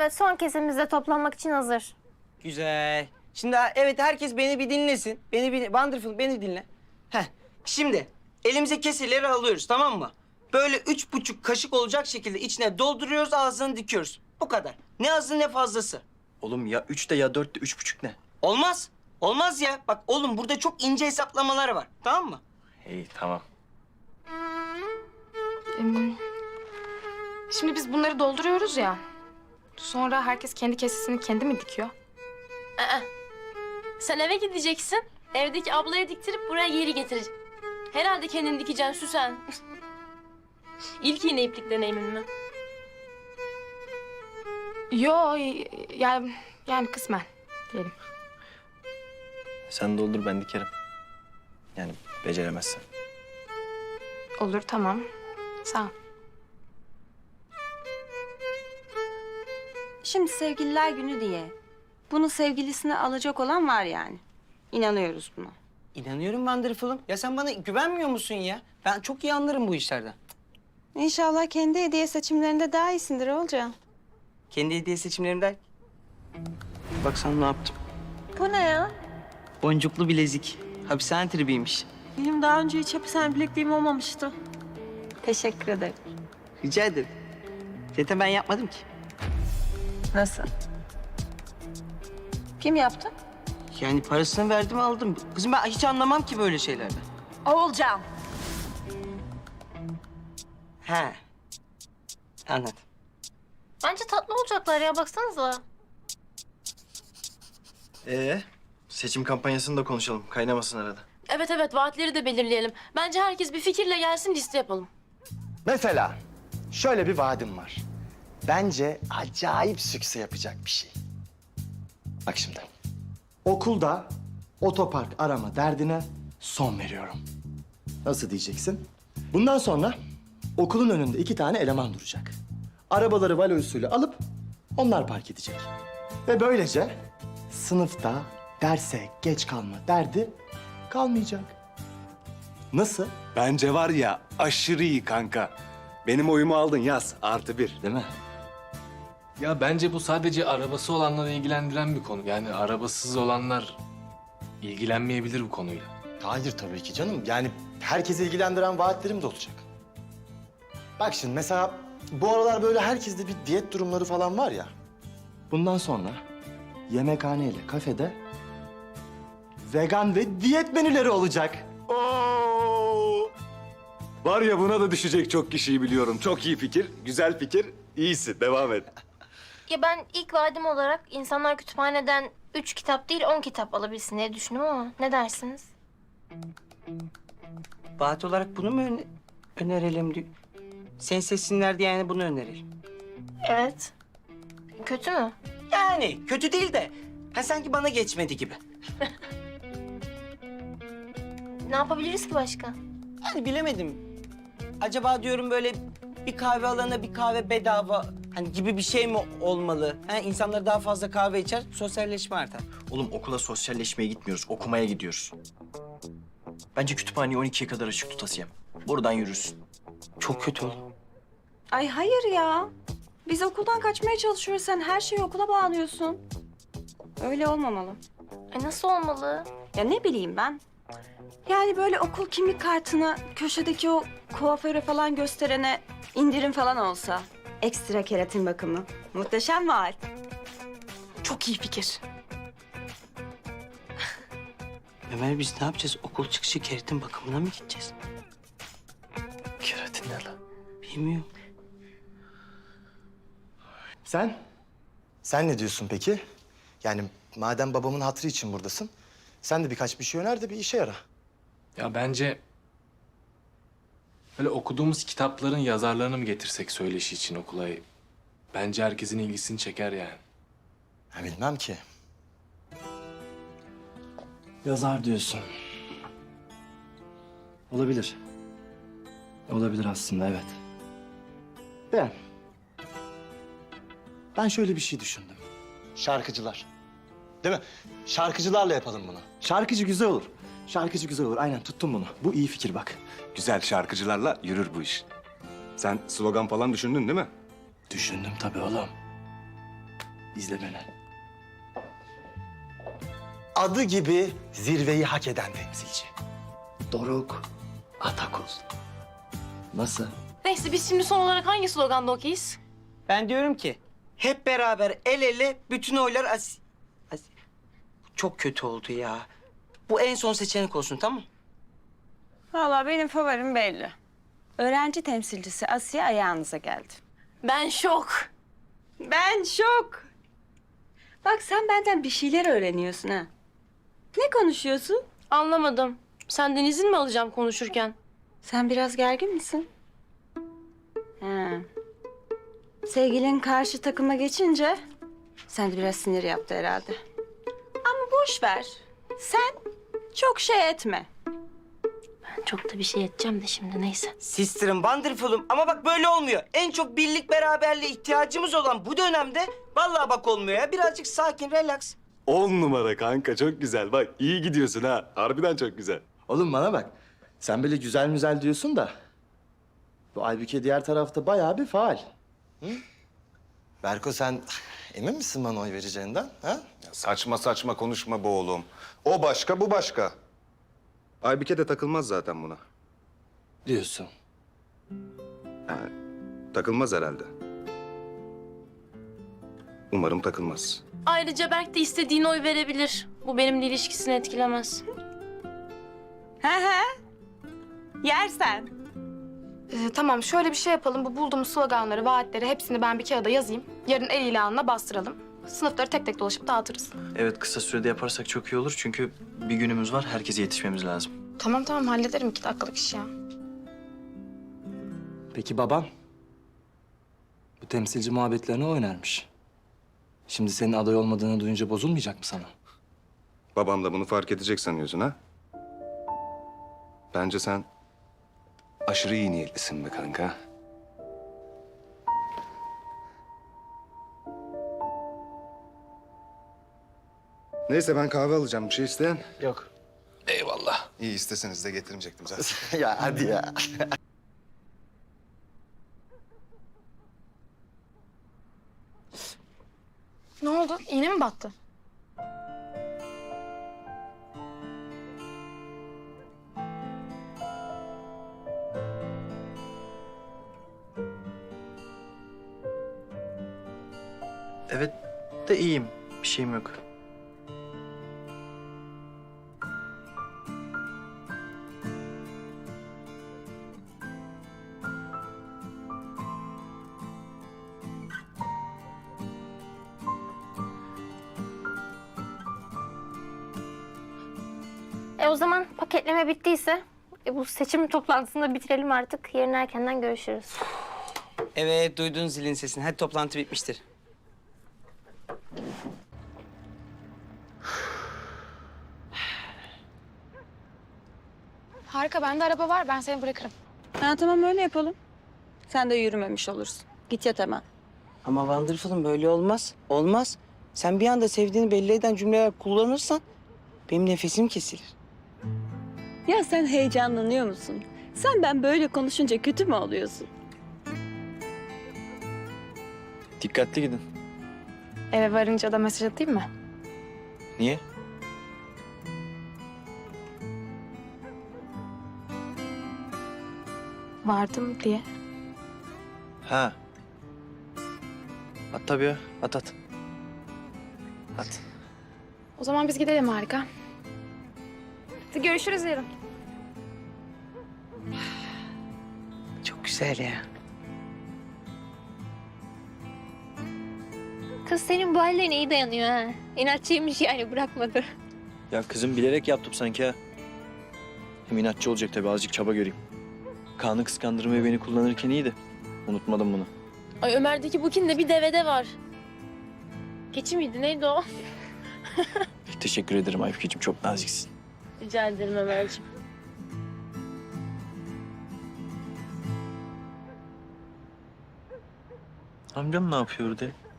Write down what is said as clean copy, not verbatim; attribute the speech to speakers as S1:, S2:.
S1: Evet, son kesimimizde toplanmak için hazır.
S2: Güzel. Şimdi evet, herkes beni bir dinlesin. Wonderful, beni dinle. Heh. Şimdi elimize keseleri alıyoruz, tamam mı? Böyle 3,5 kaşık olacak şekilde içine dolduruyoruz, ağzını dikiyoruz. Bu kadar. Ne azı ne fazlası.
S3: Oğlum ya 3'te ya 4'te 3,5 ne?
S2: Olmaz. Olmaz ya. Bak oğlum, burada çok ince hesaplamalar var. Tamam mı?
S3: İyi tamam.
S4: Şimdi biz bunları dolduruyoruz ya. Sonra herkes kendi kesesini kendi mi dikiyor?
S5: Sen eve gideceksin. Evdeki ablaya diktirip buraya geri getireceksin. Herhalde kendin dikeceksin Süsen. İlk iğne iplik deneyimin mi?
S4: Yo, yani kısmen diyelim.
S3: Sen doldur ben dikerim. Yani beceremezsen.
S4: Olur, tamam. Sağ ol.
S6: Şimdi sevgililer günü diye bunu sevgilisine alacak olan var yani. İnanıyoruz buna.
S2: İnanıyorum Wonderful'um. Ya sen bana güvenmiyor musun ya? Ben çok iyi anlarım bu işlerden.
S6: İnşallah kendi hediye seçimlerinde daha iyisindir Olcan.
S2: Kendi hediye seçimlerimden... Bak sana ne yaptım.
S1: Bu ne ya?
S2: Boncuklu bilezik. Hapishane tribiymiş.
S1: Benim daha önce hiç hapishane bilekliğim olmamıştı.
S6: Teşekkür ederim.
S2: Rica ederim. Zaten ben yapmadım ki.
S6: Nasıl? Kim yaptı?
S2: Yani parasını verdim, aldım. Kızım ben hiç anlamam ki böyle şeylerden.
S6: Olcan.
S2: He. Anladım.
S1: Bence tatlı olacaklar ya, baksanıza.
S3: Seçim kampanyasını da konuşalım. Kaynamasın arada.
S5: Evet evet, vaatleri de belirleyelim. Bence herkes bir fikirle gelsin, liste yapalım.
S7: Mesela şöyle bir vaadim var. Bence acayip sükse yapacak bir şey. Bak şimdi. Okulda otopark arama derdine son veriyorum. Nasıl diyeceksin? Bundan sonra okulun önünde 2 tane eleman duracak. Arabaları valo usulü alıp onlar park edecek. Ve böylece sınıfta derse geç kalma derdi kalmayacak. Nasıl?
S8: Bence var ya aşırı iyi kanka. Benim oyumu aldın, yaz +1.
S7: Değil mi?
S9: Ya bence bu sadece arabası olanları ilgilendiren bir konu. Yani arabasız olanlar ilgilenmeyebilir bu konuyla.
S7: Hayır tabii ki canım. Yani herkesi ilgilendiren vaatlerim de olacak. Bak şimdi mesela bu aralar böyle herkeste bir diyet durumları falan var ya. Bundan sonra yemekhane ile kafede vegan ve diyet menüleri olacak.
S8: Oo! Var ya buna da düşecek çok kişiyi biliyorum. Çok iyi fikir, güzel fikir. İyisi, devam et.
S1: Ya ben ilk vaadim olarak insanlar kütüphaneden 3 kitap değil 10 kitap alabilsin diye düşündüm ama ne dersiniz?
S2: Vaat olarak bunu mu önerelim diyor. Seni seçsinler diye yani bunu önerelim.
S1: Evet. Kötü mü?
S2: Yani kötü değil de sanki bana geçmedi gibi.
S1: Ne yapabiliriz ki başka?
S2: Yani bilemedim. Acaba diyorum böyle bir kahve alana bir kahve bedava hani gibi bir şey mi olmalı? İnsanlar daha fazla kahve içer, sosyalleşme artar.
S3: Oğlum okula sosyalleşmeye gitmiyoruz. Okumaya gidiyoruz. Bence kütüphaneyi 12'ye kadar açık tut Asiyem. Buradan yürürsün.
S2: Çok kötü oldu.
S6: Ay hayır ya. Biz okuldan kaçmaya çalışıyoruz. Sen her şeyi okula bağlıyorsun. Öyle olmamalı.
S1: Nasıl olmalı?
S6: Ya ne bileyim ben. Yani böyle okul kimlik kartını köşedeki o kuaföre falan gösterene indirim falan olsa. Ekstra keratin bakımı. Muhteşem vaat.
S4: Çok iyi fikir.
S2: Ömer biz ne yapacağız? Okul çıkışı keratin bakımına mı gideceğiz?
S3: Keratin ne lan?
S2: Bilmiyorum.
S7: Sen ne diyorsun peki? Yani madem babamın hatırı için buradasın, sen de birkaç bir şey öner de bir işe yara.
S9: Ya bence böyle okuduğumuz kitapların yazarlarını mı getirsek söyleşi için okula? Bence herkesin ilgisini çeker yani.
S7: Ha, bilmem ki. Yazar diyorsun. Olabilir. Olabilir aslında, evet. Ben şöyle bir şey düşündüm. Şarkıcılar. Değil mi? Şarkıcılarla yapalım bunu. Şarkıcı güzel olur. Şarkıcı güzel olur. Aynen tuttum bunu. Bu iyi fikir bak.
S8: Güzel şarkıcılarla yürür bu iş. Sen slogan falan düşündün değil mi?
S7: Düşündüm tabii oğlum. İzle beni. Adı gibi zirveyi hak eden temsilci. Doruk Atakul. Nasıl?
S5: Neyse biz şimdi son olarak hangi sloganda okeyiz?
S2: Ben diyorum ki hep beraber el ele bütün oylar Çok kötü oldu ya. Bu en son seçenek olsun, tamam?
S6: Vallahi benim favorim belli. Öğrenci temsilcisi Asiye ayağınıza geldi.
S5: Ben şok.
S6: Ben şok. Bak sen benden bir şeyler öğreniyorsun ha. Ne konuşuyorsun?
S5: Anlamadım. Senden izin mi alacağım konuşurken?
S6: Sen biraz gergin misin? Ha. Sevgilin karşı takıma geçince sen de biraz sinir yaptı herhalde. Ama boş ver. Sen çok şey etme.
S5: Ben çok da bir şey edeceğim de şimdi neyse.
S2: Sister'ım, wonderful'um ama bak böyle olmuyor. En çok birlik beraberliğe ihtiyacımız olan bu dönemde vallahi bak olmuyor ya. Birazcık sakin, relax.
S8: 10 numara kanka, çok güzel. Bak iyi gidiyorsun ha. Harbiden çok güzel.
S7: Oğlum bana bak. Sen böyle güzel müzel diyorsun da... ...bu Aybüke diğer tarafta bayağı bir faal. Hı? Berko sen emin misin bana oy vereceğinden? Ha?
S8: Ya saçma saçma konuşma be oğlum. O başka, bu başka. Aybüke de takılmaz zaten buna.
S7: Diyorsun.
S8: Yani takılmaz herhalde. Umarım takılmaz.
S5: Ayrıca Berk de istediğine oy verebilir. Bu benimle ilişkisini etkilemez.
S6: Yersen.
S4: Tamam şöyle bir şey yapalım. Bu bulduğumuz sloganları, vaatleri hepsini ben bir kağıda yazayım. Yarın el ilanına bastıralım. Sınıfları tek tek dolaşıp dağıtırız.
S3: Evet, kısa sürede yaparsak çok iyi olur. Çünkü bir günümüz var. Herkese yetişmemiz lazım.
S4: Tamam hallederim 2 dakikalık iş ya.
S7: Peki baban? Bu temsilci muhabbetlerini oynarmış. Şimdi senin aday olmadığını duyunca bozulmayacak mı sana?
S8: Babam da bunu fark edecek sanıyorsun ha? Bence sen aşırı iyi niyetlisin be kanka. Neyse ben kahve alacağım. Bir şey isteyen?
S7: Yok.
S8: Eyvallah. İyi isteseniz de getirmeyecektim zaten.
S7: Ya hadi ya.
S4: Ne oldu? İğne mi battı?
S3: Evet de iyiyim. Bir şeyim yok.
S1: O zaman paketleme bittiyse bu seçim toplantısını bitirelim artık. Yarın erkenden görüşürüz.
S2: Evet, duydun zilin sesini. Hadi toplantı bitmiştir.
S4: Harika bende araba var ben seni bırakırım.
S6: Ha tamam öyle yapalım. Sen de yürümemiş olursun. Git yat hemen.
S2: Ama wonderful'um böyle olmaz. Olmaz. Sen bir anda sevdiğini belli eden cümleler kullanırsan benim nefesim kesilir.
S6: Ya sen heyecanlanıyor musun? Sen ben böyle konuşunca kötü mü oluyorsun?
S3: Dikkatli gidin.
S4: Eve varınca da mesaj atayım mı?
S3: Niye?
S4: Vardım diye.
S3: Ha. At tabii ya. At. At.
S4: O zaman biz gidelim Harika. Hadi görüşürüz yarın.
S2: Çok güzel ya.
S1: Kız senin bu hallerine iyi dayanıyor ha. İnatçıymış yani, bırakmadı.
S3: Ya kızım bilerek yaptım sanki ha. Hem inatçı olacak tabii, azıcık çaba göreyim. Kaan'ı kıskandırmaya beni kullanırken iyiydi. Unutmadım bunu.
S5: Ay Ömer'deki bukinde bir devede var. Keçi miydi neydi o?
S3: Teşekkür ederim Aybükeciğim, çok naziksin.
S5: Rica ederim Ömerciğim.
S3: Amcam ne yapıyor orada?